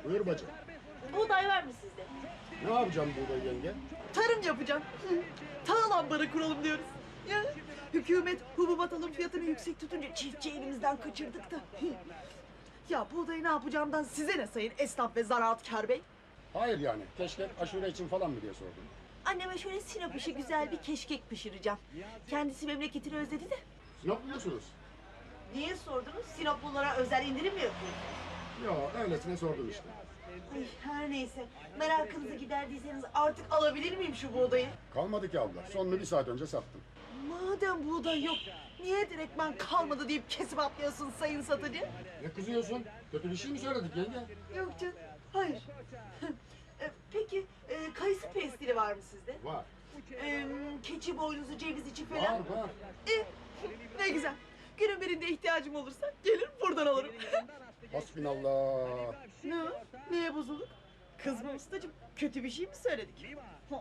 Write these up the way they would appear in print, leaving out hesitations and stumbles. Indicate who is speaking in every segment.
Speaker 1: Buyur bacım.
Speaker 2: Buğday var mı sizde?
Speaker 1: Ne yapacağım burada yenge?
Speaker 2: Tarım yapacağım. Tahıl ambarı kuralım diyoruz. Ya, hükümet hububat alım fiyatını yüksek tutunca çiftçi elimizden kaçırdık da. Ya buğdayı ne yapacağımdan size ne sayın esnaf ve zaraatkar bey?
Speaker 1: Hayır yani. Keşke aşure için falan mı diye sordum.
Speaker 2: Anneme şöyle Sinop işi güzel bir keşkek pişireceğim. Kendisi memleketini özledi de.
Speaker 1: Sinop biliyorsunuz.
Speaker 2: Niye sordunuz? Sinoplulara özel indirim mi yapıyorsunuz?
Speaker 1: Yo öylesine sordum işte.
Speaker 2: Ay, her neyse. Merakınızı giderdiyseniz artık alabilir miyim şu buğdayı?
Speaker 1: Kalmadı ki abla. Sonunu 1 saat önce sattım.
Speaker 2: Madem buğday yok, niye direktmen kalmadı deyip kesip atlıyorsun sayın satıcı?
Speaker 1: Ne kızıyorsun? Kötü bir şey mi söyledik yenge?
Speaker 2: Yok canım, hayır. Peki, kayısı pestili var mı sizde?
Speaker 1: Var.
Speaker 2: Keçi boynuzu, ceviz içi falan?
Speaker 1: Var var.
Speaker 2: Ne güzel. Günün birinde ihtiyacım olursa gelir buradan alırım.
Speaker 1: Hasbinallah.
Speaker 2: Ne o? Neye bozulduk? Kızma ustacığım, kötü bir şey mi söyledik? Ha.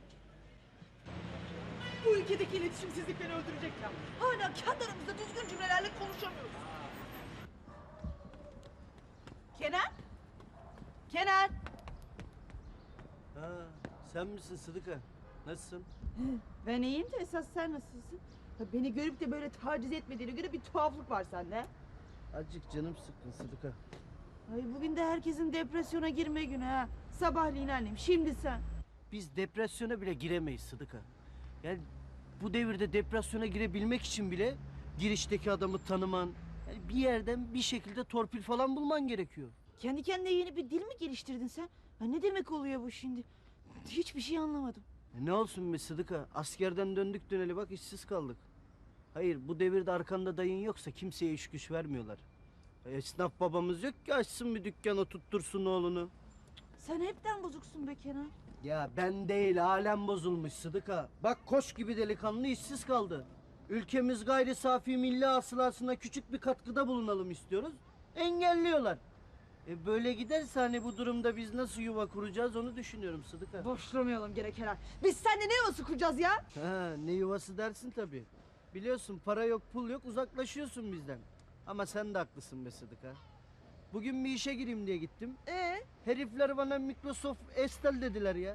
Speaker 2: Bu ülkedeki iletişimsizlik beni öldürecek ya. Hala kendi aramızda düzgün cümlelerle konuşamıyoruz. Kenan? Kenan?
Speaker 3: Ha, sen misin Sıdıka? Nasılsın?
Speaker 2: Ben iyiyim de esas sen nasılsın? Beni görüp de böyle taciz etmediğine göre bir tuhaflık var sende.
Speaker 3: Azıcık canım sıkkın Sıdıka.
Speaker 2: Ay bugün de herkesin depresyona girme günü ha. Sabahleyin annem, şimdi sen.
Speaker 3: Biz depresyona bile giremeyiz Sıdıka. Yani bu devirde depresyona girebilmek için bile girişteki adamı tanıman, yani bir yerden bir şekilde torpil falan bulman gerekiyor.
Speaker 2: Kendi kendine yeni bir dil mi geliştirdin sen? Ha, ne demek oluyor bu şimdi? Hiçbir şey anlamadım.
Speaker 3: Ne olsun be Sıdıka? Askerden döndük döneli bak işsiz kaldık. Hayır bu devirde arkanda dayın yoksa kimseye iş güç vermiyorlar. Esnaf babamız yok ki açsın bir dükkan oturttursun oğlunu.
Speaker 2: Sen hepten bozuksun be Kenan.
Speaker 3: Ya ben değil alem bozulmuş Sıdıka. Bak koç gibi delikanlı işsiz kaldı. Ülkemiz gayri safi milli hasılasına küçük bir katkıda bulunalım istiyoruz. Engelliyorlar. Böyle giderse hani bu durumda biz nasıl yuva kuracağız onu düşünüyorum Sıdıka.
Speaker 2: Boşlamayalım gerek Kenan. Biz seninle ne yuvası kuracağız ya?
Speaker 3: Ha, ne yuvası dersin tabii. Biliyorsun para yok pul yok uzaklaşıyorsun bizden. Ama sen de haklısın be Sıdıka. Bugün bir işe gireyim diye gittim. Herifler bana Microsoft Excel dediler ya.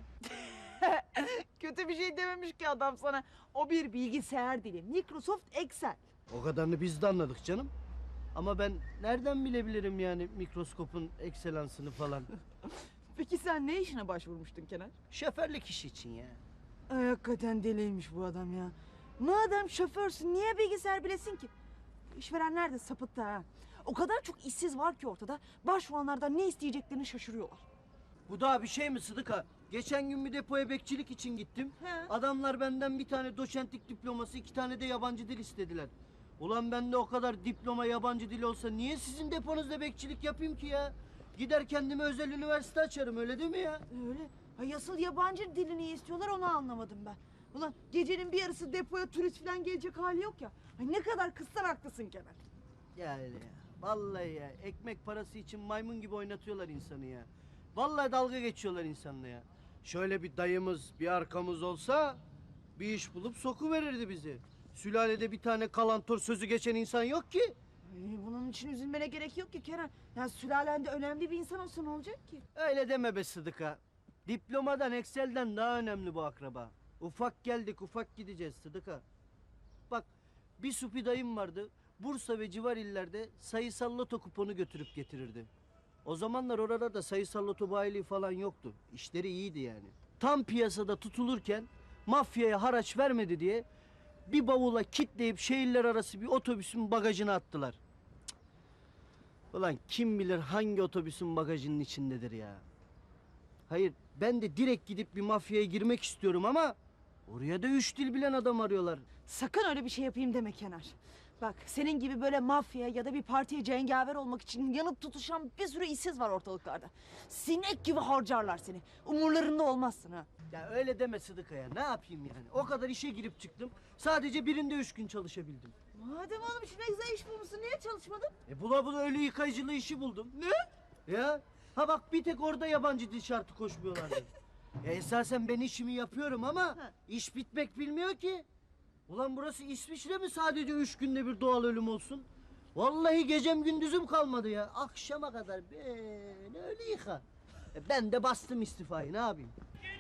Speaker 2: Kötü bir şey dememiş ki adam sana. O bir bilgisayar dili. Microsoft Excel.
Speaker 3: O kadarını biz de anladık canım. Ama ben nereden bilebilirim yani mikroskopun ekselansını falan.
Speaker 2: Peki sen ne işine başvurmuştun Kenan?
Speaker 3: Şoförlük işi için ya.
Speaker 2: Ay, hakikaten deliymiş bu adam ya. Madem şoförsün niye bilgisayar bilesin ki? İşverenler de sapıttı ha. O kadar çok işsiz var ki ortada. Başvuranlardan ne isteyeceklerini şaşırıyorlar.
Speaker 3: Bu daha bir şey mi Sıdıka? Geçen gün bir depoya bekçilik için gittim.
Speaker 2: He.
Speaker 3: Adamlar benden bir tane doçentlik diploması, 2 tane de yabancı dil istediler. Ulan bende o kadar diploma yabancı dil olsa niye sizin deponuzda bekçilik yapayım ki ya? Gider kendime özel üniversite açarım öyle değil mi ya?
Speaker 2: Öyle. Ay asıl yabancı dilini istiyorlar onu anlamadım ben. Ulan gecenin bir yarısı depoya turist falan gelecek hali yok ya. Ay ne kadar kızsan haklısın Kenan.
Speaker 3: Ya öyle ya. Vallahi ya. Ekmek parası için maymun gibi oynatıyorlar insanı ya. Vallahi dalga geçiyorlar insanla ya. Şöyle bir dayımız, bir arkamız olsa bir iş bulup sokuverirdi bizi. Sülalede bir tane kalantor sözü geçen insan yok ki.
Speaker 2: Bunun için üzülmene gerek yok ki Kenan. Ya sülalende önemli bir insan olsa ne olacak ki?
Speaker 3: Öyle deme be Sıdıka. Diplomadan, Excel'den daha önemli bu akraba. Ufak geldik, ufak gideceğiz Sıdıka. Bak, bir supi dayım vardı. Bursa ve civar illerde sayısal loto kuponu götürüp getirirdi. O zamanlar oralarda sayısal loto bayiliği falan yoktu. İşleri iyiydi yani. Tam piyasada tutulurken mafyaya haraç vermedi diye bir bavula kitleyip şehirler arası bir otobüsün bagajına attılar. Cık. Ulan kim bilir hangi otobüsün bagajının içindedir ya. Hayır ben de direkt gidip bir mafyaya girmek istiyorum ama oraya da 3 dil bilen adam arıyorlar.
Speaker 2: Sakın öyle bir şey yapayım deme Kenar. Bak senin gibi böyle mafya ya da bir partiye cengaver olmak için yanıp tutuşan bir sürü işsiz var ortalıklarda. Sinek gibi harcarlar seni. Umurlarında olmazsın ha.
Speaker 3: Ya öyle deme Sıdıka ya. Ne yapayım yani? O kadar işe girip çıktım. Sadece birinde 3 gün çalışabildim.
Speaker 2: Madem oğlum işine güzel iş bulmuşsun niye çalışmadın?
Speaker 3: Bula bula ölü yıkayıcılığı işi buldum. Ne? Ya. Ha bak bir tek orada yabancı dil şartı koşmuyorlardı. Esasen ben işimi yapıyorum ama iş bitmek bilmiyor ki. Ulan burası İsviçre mi sadece 3 günde bir doğal ölüm olsun? Vallahi gecem gündüzüm kalmadı ya. Akşama kadar böyle öyle yıka. Ben de bastım istifayı, ne yapayım?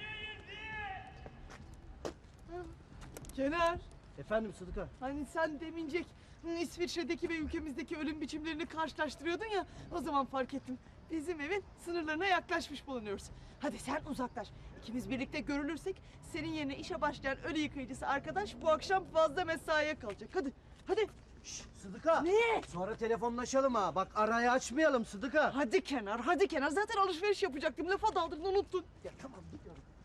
Speaker 2: Kenar,
Speaker 3: Efendim Sıdıka?
Speaker 2: hani sen demincek İsviçre'deki ve ülkemizdeki ölüm biçimlerini karşılaştırıyordun ya, o zaman fark ettim. Bizim evin sınırlarına yaklaşmış bulunuyoruz. Hadi sen uzaklaş. İkimiz birlikte görülürsek senin yerine işe başlayan ölü yıkayıcısı arkadaş bu akşam fazla mesaiye kalacak. Hadi, hadi.
Speaker 3: Şşş Sıdıka!
Speaker 2: Ne?
Speaker 3: Sonra telefonlaşalım ha. Bak arayı açmayalım Sıdıka.
Speaker 2: Hadi Kenar, hadi Kenar. Zaten alışveriş yapacaktım. Lafa daldırdın, unuttun.
Speaker 3: Ya tamam gidiyorum.